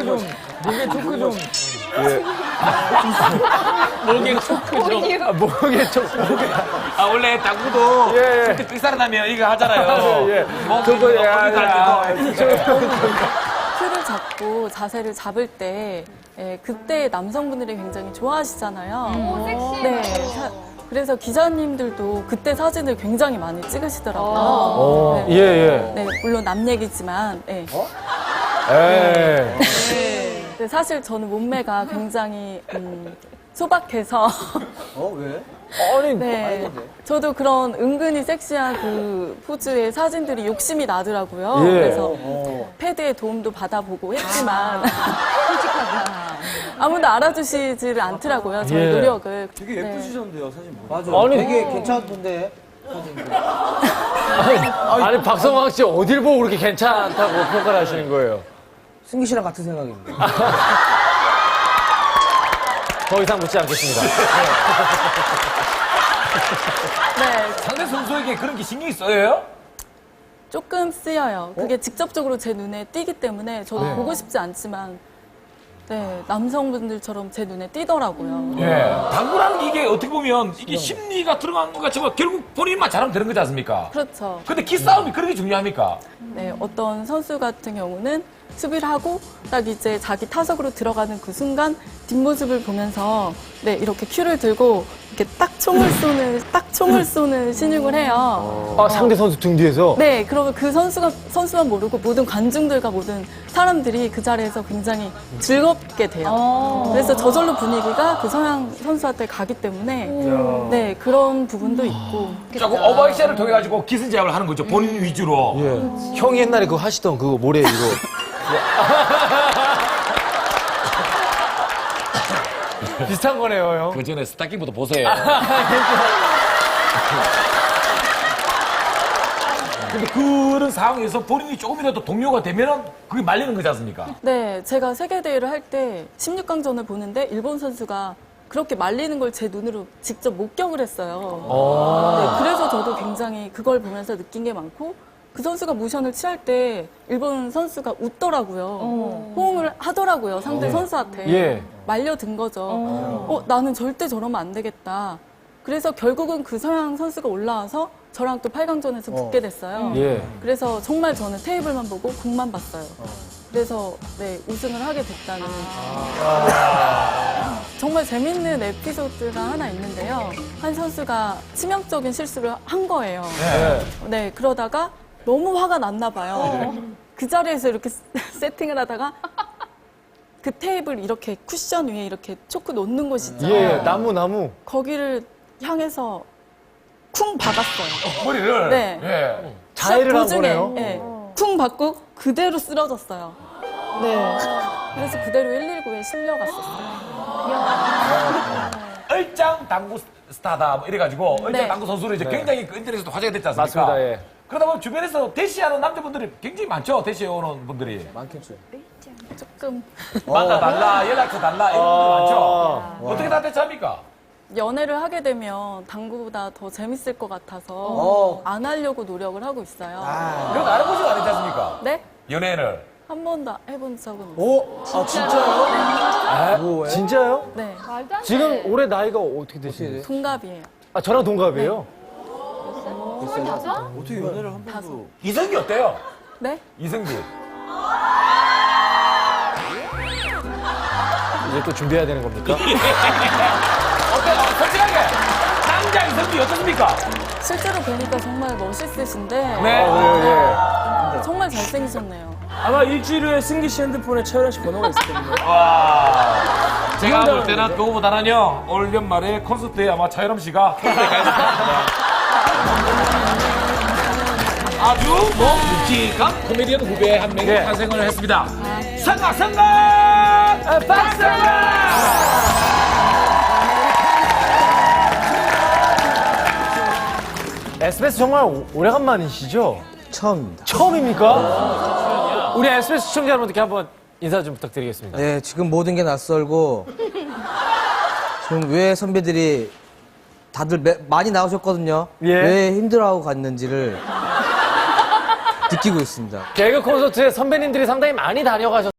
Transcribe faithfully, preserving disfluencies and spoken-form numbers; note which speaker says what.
Speaker 1: 좀. 목에 초크 좀.
Speaker 2: 목에 초크죠.
Speaker 1: 아, 목에 초크.
Speaker 2: 아 원래 당구도
Speaker 1: 예, 예.
Speaker 2: 그때 삑사르나면 이거 하잖아요.
Speaker 1: 예, 예.
Speaker 2: 목이
Speaker 1: 저거,
Speaker 2: 뭐
Speaker 1: 야,
Speaker 2: 거기 갈
Speaker 1: 야,
Speaker 2: 때도.
Speaker 3: 틀을 잡고 자세를 잡을 때 예, 그때 남성분들이 굉장히 좋아하시잖아요.
Speaker 4: 오,
Speaker 3: 네. 사- 그래서 기자님들도 그때 사진을 굉장히 많이 찍으시더라고요.
Speaker 1: 어,
Speaker 3: 네.
Speaker 1: 예, 예.
Speaker 3: 네, 물론 남 얘기지만. 예.
Speaker 1: 예.
Speaker 3: 네, 사실 저는 몸매가 굉장히 음, 소박해서
Speaker 5: 어, 왜?
Speaker 1: 아니,
Speaker 3: 네, 저도 그런 은근히 섹시한 그 포즈의 사진들이 욕심이 나더라고요.
Speaker 1: 예.
Speaker 3: 그래서
Speaker 5: 어.
Speaker 3: 패드의 도움도 받아보고 했지만 아무도 알아주시지를 않더라고요. 저희
Speaker 1: 예.
Speaker 3: 노력을.
Speaker 5: 되게
Speaker 3: 네.
Speaker 5: 예쁘시던데요, 사진 보면. 맞아.
Speaker 1: 아니,
Speaker 5: 되게 괜찮던데.
Speaker 1: 아니, 아니, 박성광 씨 어딜 보고 그렇게 괜찮다고 평가를 하시는 거예요?
Speaker 5: 승기 씨랑 같은 생각입니다.
Speaker 1: 더 이상 묻지 않겠습니다.
Speaker 3: 네,
Speaker 2: 상대 선수에게 그런 게 신경이 써요?
Speaker 3: 조금 쓰여요. 그게 직접적으로 제 눈에 띄기 때문에 저도
Speaker 1: 네.
Speaker 3: 보고 싶지 않지만 네, 남성분들처럼 제 눈에 띄더라고요.
Speaker 2: 예. 당구라는 게 이게 어떻게 보면 이게 심리가 들어간 것 같지만 결국 본인만 잘하면 되는 거지 않습니까?
Speaker 3: 그렇죠.
Speaker 2: 근데 기싸움이 그런 게 중요합니까?
Speaker 3: 네, 어떤 선수 같은 경우는 수비를 하고 딱 이제 자기 타석으로 들어가는 그 순간 뒷모습을 보면서 네, 이렇게 큐를 들고 이렇게 딱 총을 쏘는 딱 총을 쏘는 신용을 해요.
Speaker 1: 아, 상대 선수 등 뒤에서?
Speaker 3: 네, 그러면 그 선수가 선수만 모르고 모든 관중들과 모든 사람들이 그 자리에서 굉장히 즐겁게 돼요. 그래서 저절로 분위기가 그 서양 선수한테 가기 때문에 네, 그런 부분도 있고.
Speaker 2: 조금 오버액션을 통해 가지고 기승제압을 하는 거죠. 본인 위주로.
Speaker 1: 예. 형이 옛날에 그거 하시던 그거 모래 이거. 비슷한 거네요, 형.
Speaker 2: 그 전에 스타킹부터 보세요. 근데 그런 상황에서 본인이 조금이라도 동료가 되면은 그게 말리는 거지 않습니까?
Speaker 3: 네, 제가 세계대회를 할 때 십육 강전을 보는데 일본 선수가 그렇게 말리는 걸 제 눈으로 직접 목격을 했어요. 네, 그래서 저도 굉장히 그걸 보면서 느낀 게 많고 그 선수가 모션을 취할 때 일본 선수가 웃더라고요. 호응을 하더라고요, 상대 선수한테.
Speaker 1: 예.
Speaker 3: 말려든 거죠. 어, 나는 절대 저러면 안 되겠다. 그래서 결국은 그 서양 선수가 올라와서 저랑 또 팔 강전에서 붙게 됐어요.
Speaker 1: 예.
Speaker 3: 그래서 정말 저는 테이블만 보고 공만 봤어요. 그래서 네, 우승을 하게 됐다는. 정말 재밌는 에피소드가 하나 있는데요. 한 선수가 치명적인 실수를 한 거예요.
Speaker 1: 네.
Speaker 3: 네, 그러다가 너무 화가 났나 봐요. 그 자리에서 이렇게 세팅을 하다가 그 테이블 이렇게 쿠션 위에 이렇게 초크 놓는 곳 있잖아요.
Speaker 1: 예, 나무, 나무.
Speaker 3: 거기를 향해서 쿵 박았어요.
Speaker 2: 머리를.
Speaker 3: 네.
Speaker 2: 예.
Speaker 1: 자해를 한
Speaker 3: 도중에,
Speaker 1: 거네요.
Speaker 3: 예, 쿵 받고 그대로 쓰러졌어요. 네. 그래서 그대로 일일구에 실려갔었어요.
Speaker 2: 얼짱 당구 스타다 뭐 이래가지고 얼짱
Speaker 3: 네.
Speaker 2: 당구 선수로 이제 굉장히 그 인터넷에서도 화제가 됐지 않습니까?
Speaker 1: 맞습니다, 예.
Speaker 2: 그러다 보면 주변에서 대시하는 남자분들이 굉장히 많죠. 대시해 오는 분들이.
Speaker 5: 많겠죠.
Speaker 3: 조금
Speaker 2: 만나달라, 연락처 달라 이런 분들
Speaker 1: 아.
Speaker 2: 많죠. 어떻게 다 대처합니까?
Speaker 3: 연애를 하게 되면 당구보다 더 재밌을 것 같아서
Speaker 5: 어.
Speaker 3: 안 하려고 노력을 하고 있어요.
Speaker 2: 그런 거 알아보지도 않았지 않습니까?
Speaker 3: 네?
Speaker 2: 연애를.
Speaker 3: 한 번도 해본 적은 없어요.
Speaker 5: 오? 아, 진짜요?
Speaker 1: 아,
Speaker 5: 뭐예요?
Speaker 1: 진짜요?
Speaker 3: 네.
Speaker 4: 말도 안 돼.
Speaker 1: 지금 올해 나이가 어떻게 되시나요?
Speaker 3: 동갑이에요.
Speaker 1: 아, 저랑 동갑이에요?
Speaker 4: 여자?
Speaker 5: 어떻게 연애를 한 번도.
Speaker 2: 이성기 어때요?
Speaker 3: 네?
Speaker 2: 이성기.
Speaker 1: 이제 또 준비해야 되는 겁니까?
Speaker 2: 어때요? 솔직하게. 남자 이성기 어떻습니까?
Speaker 3: 실제로 보니까 정말 멋있으신데
Speaker 2: 네.
Speaker 1: 예,
Speaker 3: 정말 잘생기셨네요.
Speaker 6: 아마 일주일 후에 승기 씨 핸드폰에 최연아 씨 번호가 있을 겁니다.
Speaker 2: 와. 제가 볼 때는 그거보다는요, 올 연말에 콘서트에 아마 차유람 씨가 콘서트에 가야 될 것 같습니다. 아주 뭐 묵직한 코미디언 후배 한 명이
Speaker 1: 네.
Speaker 2: 탄생을 했습니다. 성각 성각 박성각!
Speaker 1: 에스비에스 정말 오- 오래간만이시죠?
Speaker 5: 처음입니다.
Speaker 1: 처음입니까? 우리 에스비에스 시청자 여러분들께 한번 인사 좀 부탁드리겠습니다.
Speaker 5: 네, 지금 모든 게 낯설고, 지금 왜 선배들이 다들 매- 많이 나오셨거든요.
Speaker 1: 예.
Speaker 5: 왜 힘들어하고 갔는지를 느끼고 있습니다.
Speaker 1: 개그 콘서트에 선배님들이 상당히 많이 다녀가셨